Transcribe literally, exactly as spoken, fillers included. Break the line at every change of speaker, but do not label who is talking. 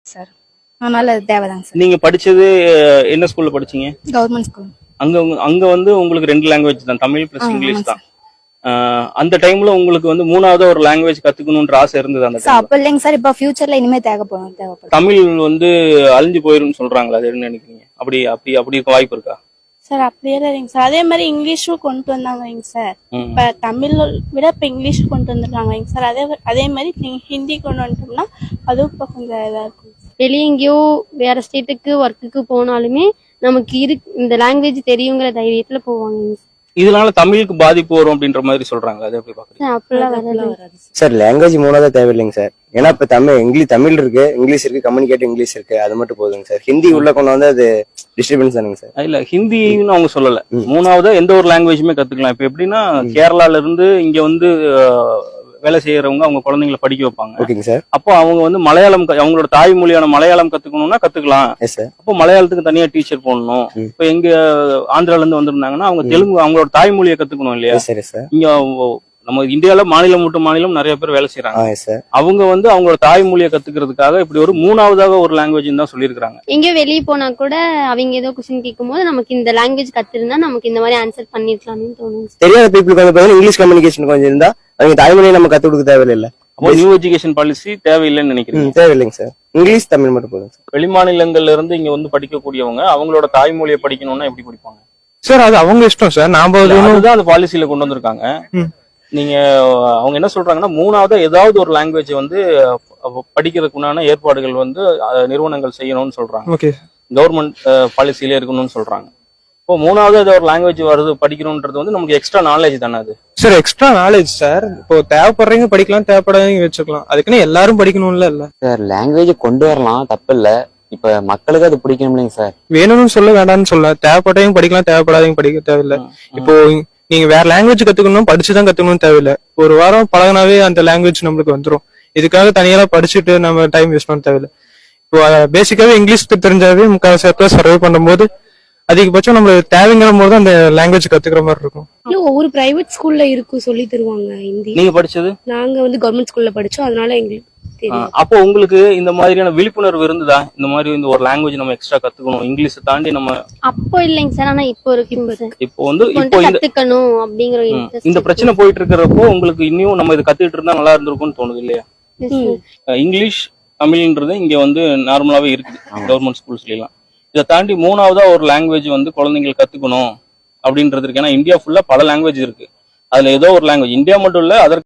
Sir அதனால அது தேவைதாங்க sir.
நீங்க படிச்சது என்ன ஸ்கூல்ல படிச்சீங்க?
Government school.
அங்க உங்க- அங்க வந்து உங்களுக்கு ரெண்டு லாங்குவேஜ் தான், தமிழ் பிளஸ் இங்கிலீஷ் தான். ஆஹ் அந்த டைம்ல உங்களுக்கு வந்து மூணாவது ஒரு லாங்குவேஜ் கத்துக்கணும்ன்ற ஆசை இருந்தது அந்த
சார்
டைம்ல?
அப்ப இல்லைங்க சார், இப்ப ஃபியூச்சர்ல இனிமே தேவைப்படும் தேவைப்படும்
தமிழ் வந்து அழிஞ்சு போயிரும்னு சொல்றாங்களா, அது என்ன நினைக்கிறீங்க? அப்படி அப்படி அப்படி இருக்க வாய்ப்பு இருக்கா?
சார் அப்படியே இல்லைங்க சார், அதே மாதிரி இங்கிலீஷும் கொண்டு வந்தாங்க சார்.
ம்.
இப்ப தமிழ் விட இப்ப இங்கிலீஷ் கொண்டு வந்துருக்காங்க சார். அதே அதே மாதிரி நீங்க ஹிந்தி கொண்டு வந்துட்டோம்னா அதுவும் இப்ப கொஞ்சம் இதா இருக்கும்.
வெளியே எங்கேயோ வேற ஸ்டேட்டுக்கு ஒர்க்குக்கு போனாலுமே நமக்கு இரு இந்த லாங்குவேஜ் தெரியுங்கிற தைரியத்துல போவாங்க.
இதனால தமிழுக்கு பாதிப்பு வரும் அப்படின்ற மாதிரி சொல்றாங்க, அது எப்படி பாக்குறீங்க?
அப்படிலாம் வராது
சார். லாங்குவேஜ் மூணாவது தேவையில்லைங்க சார். ஏன்னா இப்ப தமிழ் இங்கிலீஷ் தமிழ் இருக்கு, இங்கிலீஷ் இருக்கு, கம்யூனிகேட் இங்கிலீஷ் இருக்கு, அது மட்டும் போதுங்க சார். ஹிந்தி உள்ள கொண்டு வந்து அது டிஸ்டர்பன்ஸ் தானுங்க சார்.
இல்ல ஹிந்தின்னு அவங்க சொல்லல,
ம்.
மூணாவது எந்த ஒரு லாங்குவேஜுமே கத்துக்கலாம். இப்ப எப்படின்னா கேரளால இருந்து இங்க வந்து அஹ், வேலை செய்யறவங்க அவங்க குழந்தைங்களை படிக்க வைப்பாங்க.
ஓகேங்க சார்.
அப்போ அவங்க வந்து மலையாளம் க- அவங்களோட தாய்மொழியான மலையாளம் கத்துக்கணும்னா கத்துக்கலாம்.
Yes sir.
அப்போ மலையாளத்துக்கு தனியா டீச்சர் போடணும்.
ம்.
இப்ப எங்க ஆந்திரால இருந்து வந்திருந்தாங்கன்னா அவங்க
ம்.
தெலுங்கு அவங்களோட தாய்மொழியை கத்துக்கணும் இல்லையா?
Yes sir. Yes sir.
இங்க அவங்க- நம்ம இந்தியால மாநிலம் விட்டு மாநிலம் நிறைய பேர் வேலை செய்யறாங்க.
ஆ எஸ் சார்.
அவங்க வந்து அவங்களோட தாய்மொழியை கத்துக்கிறதுக்காக இப்படி ஒரு மூணாவதாக ஒரு லாங்குவேஜ் தான் சொல்லியிருக்காங்க.
எங்கேயோ வெளியே போனா கூட அவங்க ஏதோ கொஸ்டின் கேட்கும் போது நமக்கு இந்த லாங்குவேஜ் கத்திருந்தா நமக்கு இந்த மாதிரி ஆன்சர் பண்ணிருக்கலாம்னு தோணும்.
தெரியாத பீப்புளுக்கு வந்து பாத்தீங்கன்னா இங்கிலீஷ் கம்யூனிகேஷன் கொஞ்சம் இருந்தா அவங்க தாய்மொழியை நம்ம கத்து கொடுக்க தேவையில்லை.
அப்போ நியூ எஜுகேஷன் பாலிசி தேவையில்லைன்னு நினைக்கிறீங்க?
ம், தேவையில்லைங்க சார். இங்கிலீஷ் தமிழ் மட்டும் போதும் சார்.
வெளிமாநிலங்கள்ல இருந்து இங்க வந்து படிக்கக்கூடியவங்க அவங்களோட தாய்மொழியை படிக்கணும்னா எப்படி படிப்பாங்க
சார்? அது அவங்க இஷ்டம் சார். நாம அது ஒண்ணும்
அதுதான் அந்த பாலிசியில கொண்டு வந்திருக்காங்க.
ம்.
நீங்க அவங்க என்ன சொல்றாங்கன்னா மூணாவது ஏதாவது ஒரு லாங்குவேஜ் வந்து அஹ், படிக்கிறதுக்குண்டான ஏற்பாடுகள் வந்து அஹ், நிறுவனங்கள் செய்யணும்னு சொல்றாங்க.
ஓகே
கவர்மெண்ட் பாலிசியில இருக்கணும்னு சொல்றாங்க. இப்போ மூணாவது ஏதோ ஒரு லாங்குவேஜ் வருது படிக்கணும்ன்றது வந்து நமக்கு எக்ஸ்ட்ரா நாலேஜ் தானே அது?
சார். Extra knowledge sir. இப்போ தேவைப்படுறவங்க படிக்கலாம், தேவைப்படாதவங்க வச்சுக்கலாம். அதுக்குன்னு எல்லாரும் படிக்கணும்ல இல்ல
சார். லாங்குவேஜ் கொண்டு வரலாம், தப்பு இல்ல. இப்ப மக்களுக்கு அது பிடிக்கணும் இல்லைங்க சார்.
வேணும்னு சொல்ல வேண்டாம்னு சொல்ல. தேவைப்பட்டவங்க படிக்கலாம், தேவைப்படாதவங்க படிக்க தேவையில்ல. இப்போ நீங்க வேற லாங்குவேஜ் கத்துக்கணும், படிச்சுதான் கத்துக்கணும்னு தேவையில்ல. ஒரு வாரம் பழகினாவே அந்த லாங்குவேஜ் நம்மளுக்கு வந்துரும். இதுக்காக தனியா படிச்சுட்டு நம்ம டைம் வேஸ்ட் பண்ண தேவையில்ல. இப்போ பேசிக்காவே இங்கிலீஷ் தெரிஞ்சாவே முக்கால் சர்வே பண்ணும்போது அதிகபட்சம் நம்மளுக்கு தேவைங்கிற போது அந்த லாங்குவேஜ் கத்துக்கிற மாதிரி இருக்கும்.
இல்ல ஒவ்வொரு பிரைவேட் ஸ்கூல்ல இருக்கும் சொல்லி தருவாங்க ஹிந்தி.
நீங்க படிச்சது?
நாங்க வந்து கவர்மெண்ட் ஸ்கூல்ல படிச்சோம், அதனால எங்களுக்கு தெரியும்.
அஹ், அப்போ உங்களுக்கு இந்த மாதிரியான விழிப்புணர்வு இருந்ததா? இந்த மாதிரி இந்த ஒரு லாங்குவேஜ் நம்ம எக்ஸ்ட்ரா கத்துக்கணும், இங்கிலீஷ் தாண்டி நம்ம
அப்போ இல்லைங்க சார், ஆனா இப்போ இருக்கு சார்.
இப்போ வந்து இப்போ
கொஞ்சம்
இந்த
கத்துக்கணும் அப்படிங்கிற
ம்,
interest
இந்த
இருக்கு.
பிரச்சனை போயிட்டு இருக்கிறப்போ உங்களுக்கு இன்னும் நம்ம இதை கத்துக்கிட்டு இருந்தா நல்லா இருந்திருக்கும்னு தோணுது இல்லையா?
Yes, sir.
அஹ் இங்கிலீஷ் தமிழ்ன்றது இங்க வந்து நார்மலாவே இருக்குது கவர்மெண்ட் ஸ்கூல்ஸ்ல எல்லாம். இதை தாண்டி மூணாவதா ஒரு லாங்குவேஜ் வந்து குழந்தைகள் கத்துக்கணும் அப்படின்றது இருக்கு. ஏன்னா இந்தியா ஃபுல்லா பல லாங்குவேஜ் இருக்கு. அதுல ஏதோ ஒரு லாங்குவேஜ், இந்தியா மட்டும் இல்ல, அதற்கு